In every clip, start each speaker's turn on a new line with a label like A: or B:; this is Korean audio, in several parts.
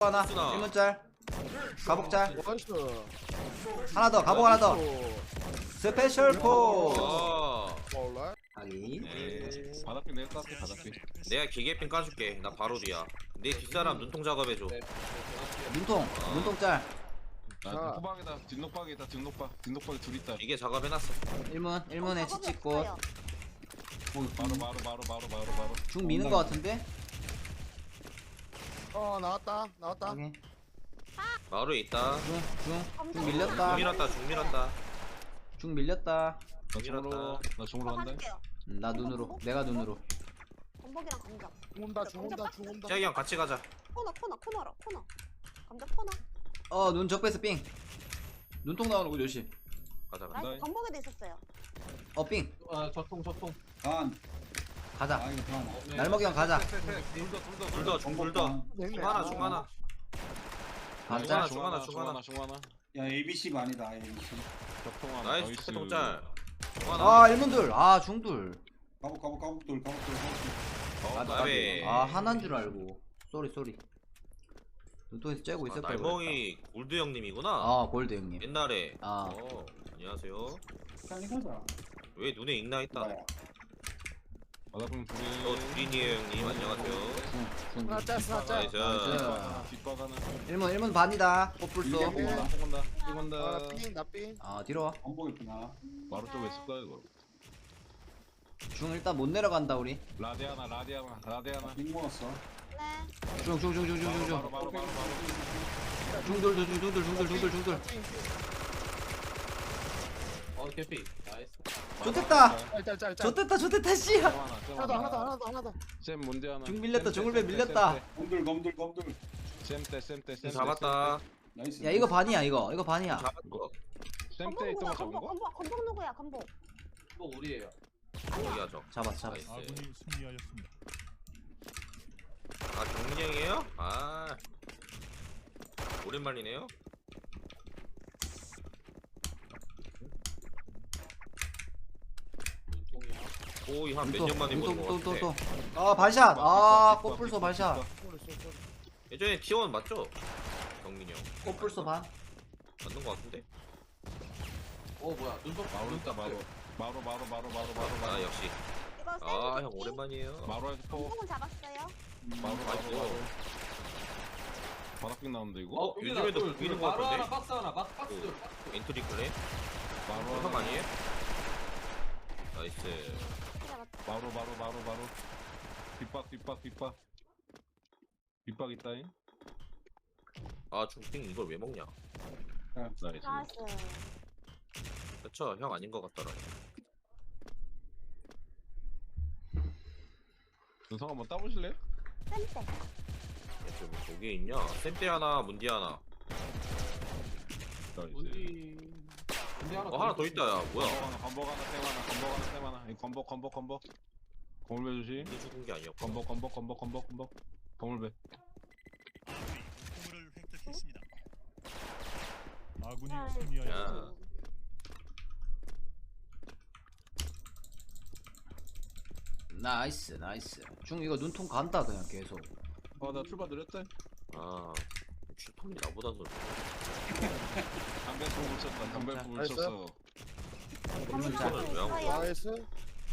A: 하나
B: 쓰나.
A: 1문짤 가복짤
C: 나이스.
A: 하나 더 가복 하나 더 스페셜 포
B: 아,
C: 몰라.
A: 하기
B: 에이.
D: 바닥핀 내가 깎게 바닥핀.
B: 내가 기계핀 까줄게. 나 바로 뒤야. 내 뒷사람 눈통 작업해줘.
A: 눈통짤
D: 아,
C: 자.
D: 후방에다 뒷녹박에다 뒷녹박에 둘 있다.
B: 기계 작업해놨어.
A: 1문에 치치꽃
D: 바로.
A: 중 미는 거 같은데?
C: 나왔다.
A: 오케이.
B: 마루에 있다.
A: 중 밀렸다
B: 중 밀었다.
A: 중 밀렸다
D: 나 중으로 간다.
E: 가줄게요.
A: 나 눈으로 내가 눈으로
E: 건복이랑 감자.
C: 죽은다.
B: 짝이 형 같이 가자.
E: 코너라. 감자 코너.
A: 눈 적배스 삥 눈통 나오는 거 조심
B: 가자.
E: 나이스. 건복에도 있었어요.
A: 삥
F: 적통.
A: 가자
F: 이거 반.
A: 날먹이 형 가자
B: 둘더 중 하나.
A: 가자
B: 중 하나.
F: 야 ABC 반이다 ABC.
D: 적통 하나.
B: 나이스 초통짤. 중 하나.
A: 아 1문둘 중둘
F: 가복돌.
B: 나베.
A: 하나인 줄 알고 쏘리 눈통에서 째고 있을 거야
B: 날멍이 골드 형님이구나.
A: 골드 형님
B: 옛날에.
A: 아.
B: 안녕하세요.
F: 빨리 가자.
B: 왜 눈에 익나 있다.
F: 나야.
D: 바닥핀
B: 두린이에요 형님. 안녕하세요.
A: 중
C: 짤.
B: 나이스.
D: 뒷박 하나.
A: 1문 반이다 꽃불소
D: 이건다.
C: 나삥.
A: 뒤로 와
F: 건복 있구나.
D: 바로 쪽에 있을 거야 이거.
A: 중 일단 못 내려간다 우리
D: 라데 하나.
F: 빙 먹었어.
E: 네.
A: 중
D: 바로.
A: 중돌
F: 개피. 나이스.
A: 좋댔다
C: 짤.
A: 좋댔다 씨야
C: 하나 더.
D: 쌤 문제 하나.
A: 중 밀렸다 중을배 밀렸다
F: 검들.
D: 쌤때.
B: 잡았다.
F: 나이스.
A: 야 이거 반이야 이거 반이야
B: 잡았어.
D: 쌤때 있던 거 잡은 거?
E: 건복 누구야? 건복.
F: 또 우리예요.
B: 여기야죠.
A: 잡았어
B: 나이스.
G: 아군이 승리하였습니다.
B: 경량이에요? 오랜만이네요. 거의 한 몇 년 만에 보는 것 같아.
A: 반샷 꽃불소 반샷
B: 예전에 T1 맞죠? 경민이 형
A: 꽃불소 반
B: 맞는 것 같은데?
F: 뭐야? 눈썹
D: 바로 있다 바로.
B: 아 역시.
E: 이거
B: 형 오랜만이에요.
D: 마루에서 포.
E: 건복은 잡았어요.
D: 바로.
B: 아이고.
D: 바닥핀 나온다 이거.
B: 요즘에도 보이는 것
F: 마루
B: 같은데?
F: 하나, 박스 하나, 박스 둘.
B: 엔트리 클레?
D: 바로
B: 형 아니에요? 나이스.
E: 잡았다.
D: 바로. 뒷박 있다잉.
B: 중핑 이걸 왜 먹냐?
D: 나이스.
E: 나이스.
B: 그쵸, 형 아닌 것 같더라.
D: 눈성 한번 따보실래요?
E: 쌤때.
B: 좀 저기 있냐? 샘대 하나, 문디 하나.
D: 나이스.
F: 근데
B: 하나 더 있다, 야. 뭐야?
D: 건복 하나, 쌤 하나. 이 건복. 거물배 조심.
B: 문디 죽은 게 아니었고.
D: 건복. 거물배.
G: 공을 획득했습니다. 아군이
E: 야.
G: 승리하였습니다.
A: 나이스 중 이거 눈통 간다 그냥 계속
D: 나 출발 느렸다.
B: 슈퍼이 나보다 더.
D: 담배풀 쳤다. 담배풀
C: 나이스.
D: 쳤어.
B: 이거는 왜안 보여?
C: 나이스.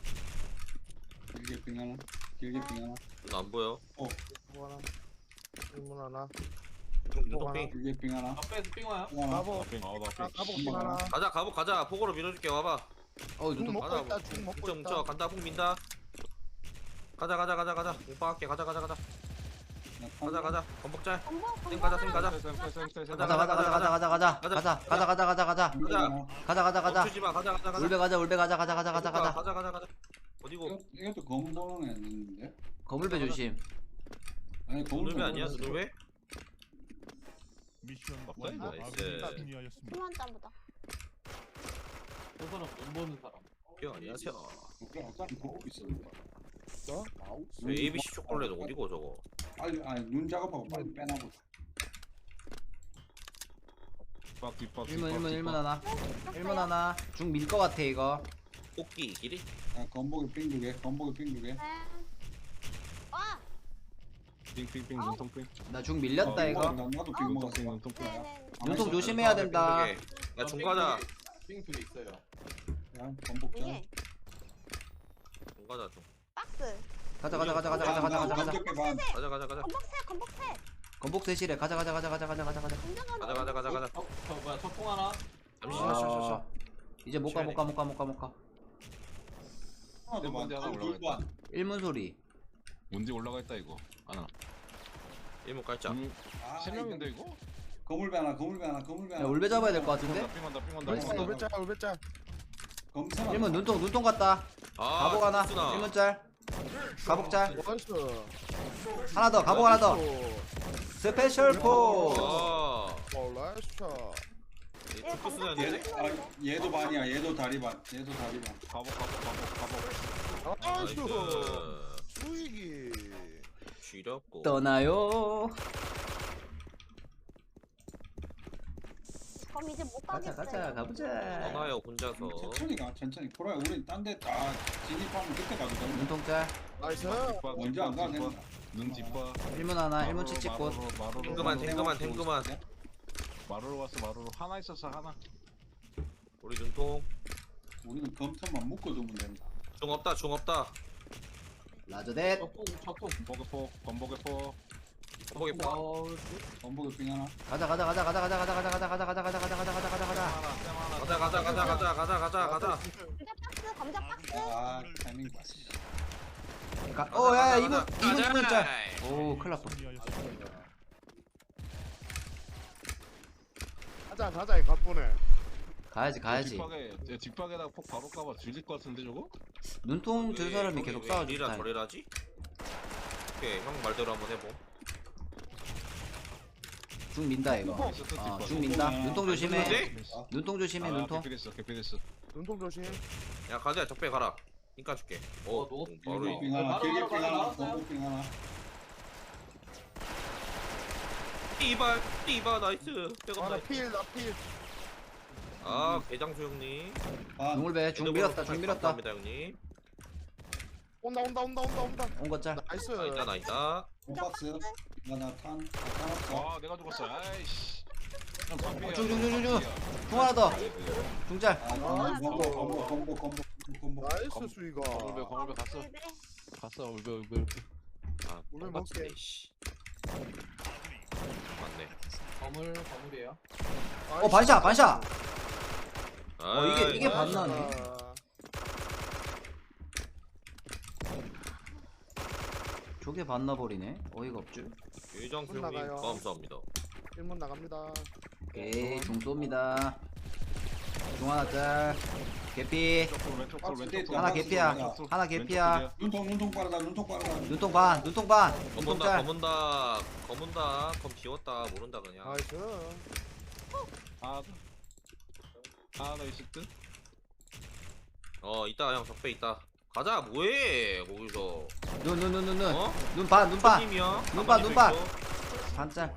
F: 길게 빙 하나.
B: 안 보여?
C: 하나. 일문 하나.
B: 눈동핑.
F: 길게 빙 하나.
D: 앞에서 삥와요?
F: 또 하나.
C: 가복.
D: 나
C: 가복 하나.
B: 가자, 가자. 폭으로 밀어줄게, 와봐.
C: 죽
A: 눈통
C: 먹고
B: 하나
C: 있다. 죽 먹고
B: 뭉쳐,
C: 있다.
B: 간다, 폭 민다. 가자. 오빠 할게, 가자. 건복짤.
E: 건복.
B: 쌤 가자.
A: 가자
B: 멈추지 마, 가자.
A: 울베 가자
B: 가자. 어디고?
F: 이것도 검은 번호는 있는데.
A: 거물배 조심
F: 아니
B: 눈울배 아니야, 눈울배?
G: 미션
D: 없다,
G: 완료.
D: 이거.
G: 아군이
B: 나이스.
G: 승리하였습니다.
E: 수만 짬보다.
F: 저 사람 돈 버는 사람.
B: 안녕하세요.
F: 아까 보고 있어.
B: ABC 초콜릿 어디고 저거?
F: 빨리 눈 작업하고 빨리 빼놔보.
D: 뒷박.
A: 1문 하나 중 밀 거 같아 이거
B: 꽃기 길이?
F: 건복이 빙 두 개.
E: 네. 와.
D: 삥삥삥 눈통삥.
A: 나 중 밀렸다 이거.
F: 나도 빙 먹었어.
D: 눈통삥 눈통삥.
E: 네네.
A: 눈통 조심해야 된다.
B: 야 중과자.
F: 빙도 있어요. 야, 건복자.
E: 이게
B: 중과자 좀.
E: 박스.
A: 가자 가자 가자 가자 가자 가자 가자 가자.
F: 어떻게 반?
B: 가자 가자 가자.
E: 건복새.
A: 건복 세실에 가자 가자 가자 가자 가자 가자 가자.
E: 공정한
B: 가자 가자 가자 가자.
F: 저 뭐야, 소풍 하나?
B: 잠시
A: 아, 이제 못 가 못 가 못 가 못 가 못 가.
F: 하나 더 반.
D: 하나
F: 둘
D: 올라가
F: 반.
A: 일문 소리.
D: 뭔지 올라가 있다 이거. 하나.
B: 일목 깔자.
F: 아,
D: 세 명인데 이거?
F: 거물배 하나, 거물배 하나, 거물배
A: 야
F: 하나.
A: 울배 잡아야 될 것 같은데.
D: 삥한다
A: 나이스.
D: 삥한다.
C: 울배짤 울배짤.
F: 검사.
A: 일문 눈통 갔다.
B: 아
A: 가복 하나.
B: 쑥순아.
A: 일문 짤. 가복 짤.
C: 나이스.
A: 하나 더. 가복 하나 더. 스페셜 포.
B: 아.
C: 나이스 샷.
B: 이 쑥순아
F: 얘,
B: 네
F: 아, 얘도 반이야. 얘도 다리 반. 얘도 다리 반.
D: 가복.
C: 나이스.
B: 나이스.
C: 수익이.
B: 지렸고.
A: 떠나요.
E: 그럼 이제 못
A: 가자
E: 가겠어요.
A: 가자 가보자.
B: 떠나요 혼자서.
F: 천천히 가, 천천히. 보라, 우린 딴 데 다 진입하면 그때 가도 돼.
A: 눈통 짤.
C: 나이스.
F: 먼저 안 가도 된다.
D: 눈 뒷바.
A: 일문 하나. 일문 칙칙꽃.
B: 탱그만 탱그만.
D: 마루로 왔어 마루로. 하나 있었어 하나.
B: 우리 눈통.
F: 우리는 검토만 묶어두면 된다.
B: 중 없다 중 없다.
A: 라저댓.
D: 건복의 포.
B: 건복이 포.
F: 건복에 빙 하나.
A: 가자 가자 가자 가자 가자 가자 가자 가자 가자 가자 가자 가자 가자 가자 가자.
B: 가자.
E: 감자 박스.
F: 아, 타이밍 봤어.
A: 오야 이문 짤. 오 큰일 났어.
G: 승리하였습니다.
C: 가자 이 가쁘네.
A: 가야지.
D: 뒷박에다가 폭 바로 까봐 질릴 것 같은데 저거?
A: 눈통 들 사람이 계속 싸워주다.
B: 이라 저래라지? 오케이 형 말대로 한번 해보.
A: 중 민다 이거. 중 민다. 눈통 조심해.
B: 근데?
A: 눈통 조심해 눈통.
D: 개피됐어.
C: 눈통 조심.
B: 야 가자 적배 가라. ink 줄게. 오 바로
F: 길게 빙 하나, 길게 빙 하나, 건복 빙 하나.
B: 띠바 나이스. 백업
C: 하나
B: 나이스.
C: 필.
B: 아 개장수 형님.
F: 반.
A: 중울배 중 밀었다 중 밀었다.
B: 감사합니다 형님.
C: 온다.
A: 온거 짤.
C: 나이스.
B: 나 있다.
F: 박스. 하나 탄. 탄 없어.
D: 아 내가 죽었어. 아이씨.
A: 중 하나 더. 중짤.
F: 아, 건복.
C: 나이스 수익아.
D: 건물배 갔어.
E: 네.
D: 갔어 울배.
B: 아
C: 오늘
B: 똥같은데,
C: 먹게.
B: 씨. 맞네.
F: 건물이에요.
A: 반샷.
B: 아,
A: 이게 반나네. 저게 반나 버리네. 어이가 없죠.
B: 유장수 형님
C: 나가요.
B: 감사합니다.
C: 1문 나갑니다.
A: 오케이 중 쏩니다. 중 하나 짤. 개피.
D: 왼쪽 돌.
A: 하나 개피야. 하나 개피야.
F: 눈통 빠르다.
A: 눈통 반. 눈통 짤.
B: 검은다. 검 비웠다. 모른다 그냥.
C: 나이스.
D: 아나 있을 듯.
B: 있다 형 적배 있다. 가자 뭐해 거기서.
A: 눈.
B: 어?
A: 눈 반.
B: 팀이야.
A: 눈 반. 반짤.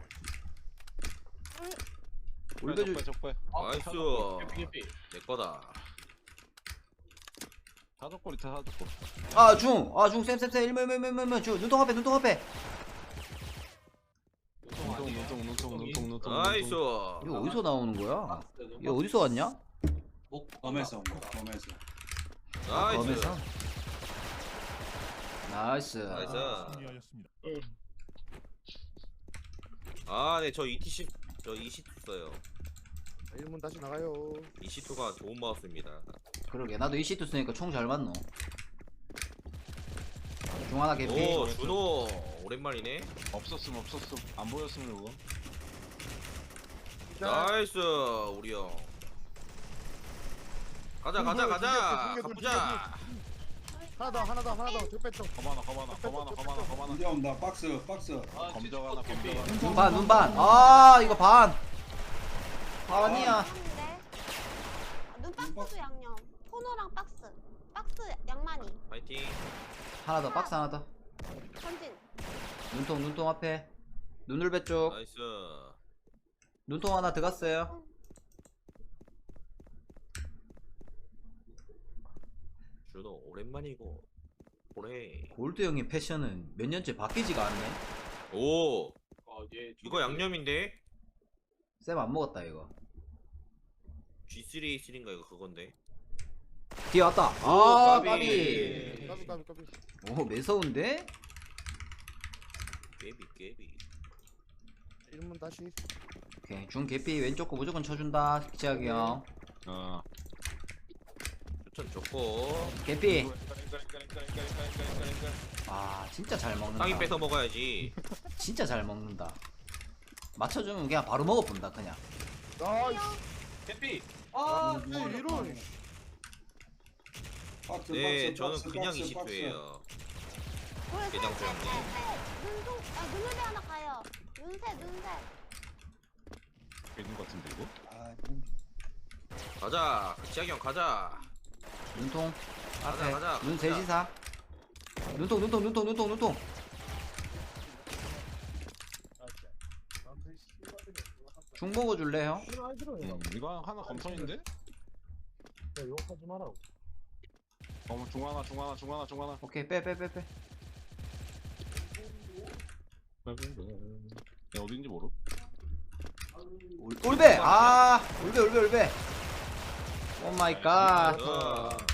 A: 울배 주.
D: 적배.
B: 나이스. 내 거다.
D: 사적골 있다 사적골.
A: 중 쌤. 일문 중. 눈통 앞에.
D: 눈통.
B: 나이스.
A: 이거 어디서 나오는 거야? 이거 어디서 왔냐?
F: 검에서.
B: 나이스.
A: 검에서. 나이스.
B: 나이스.
G: 승리하였습니다.
B: 네 저 ETC 저 EC2 써요.
C: 1문 다시 나가요.
B: EC2가 좋은 마우스입니다.
A: 그러게 나도 이 시트 쓰니까 총 잘 맞노. 중 하나 개피.
B: 오 준호 오랜만이네.
D: 없었음. 안 보였으면 이거.
B: 나이스 우리 형. 가자. 가보자.
C: 하나 더. 적배 쪽.
D: 거만아.
F: 이제 온다. 박스.
D: 검정 하나.
A: 눈 반. 이거 반. 반이야.
E: 눈박스도 양념. 토너랑 박스 양만이.
B: 파이팅.
A: 하나 더. 박스 하나 더.
E: 전진.
A: 눈통 앞에. 눈울배 쪽.
B: 나이스.
A: 눈통 하나 들어갔어요.
B: 준호 오랜만이고. 올해
A: 골드 형의 패션은 몇 년째 바뀌지가 않네.
B: 오 이거 양념인데?
A: 쌤 안 먹었다 이거.
B: G3A3인가 이거 그건데.
A: 뒤에 왔다.
B: 오,
A: 아
B: 까비.
A: 까비.
C: 까비.
A: 오 매서운데?
B: 깨비
C: 1문 다시.
A: 오케이 중 개피 왼쪽 거 무조건 쳐준다 기차기 형.
D: 어.
B: 추천 좋고
A: 개피. 아 진짜 잘 먹는다.
B: 땅이 뺏어 먹어야지.
A: 진짜 잘 먹는다. 맞춰주면 그냥 바로 먹어본다 그냥.
C: 나이스.
D: 캐피.
C: 아, 이런.
F: 박스
B: 네
F: 박스
B: 저는
F: 박스
B: 그냥
F: 박스
B: 20초예요.
E: 눈
B: 대장
E: 셋, 셋, 셋. 눈동, 눈물이 하나 가요. 눈셋.
D: 있는 것 같은데 이거?
F: 아,
B: 가자 지학이 형 가자.
A: 눈통 앞에
B: 가자,
A: 눈
B: 가자.
A: 셋이사. 눈통. 중 먹어줄래 형?
D: 이거 하나 검선인데?
C: 욕하지 마라.
D: 중 하나.
A: 오케이 빼.
D: 야 어딘지 모르.
A: 올배. 아 올배. 오 마이 갓.
B: 어.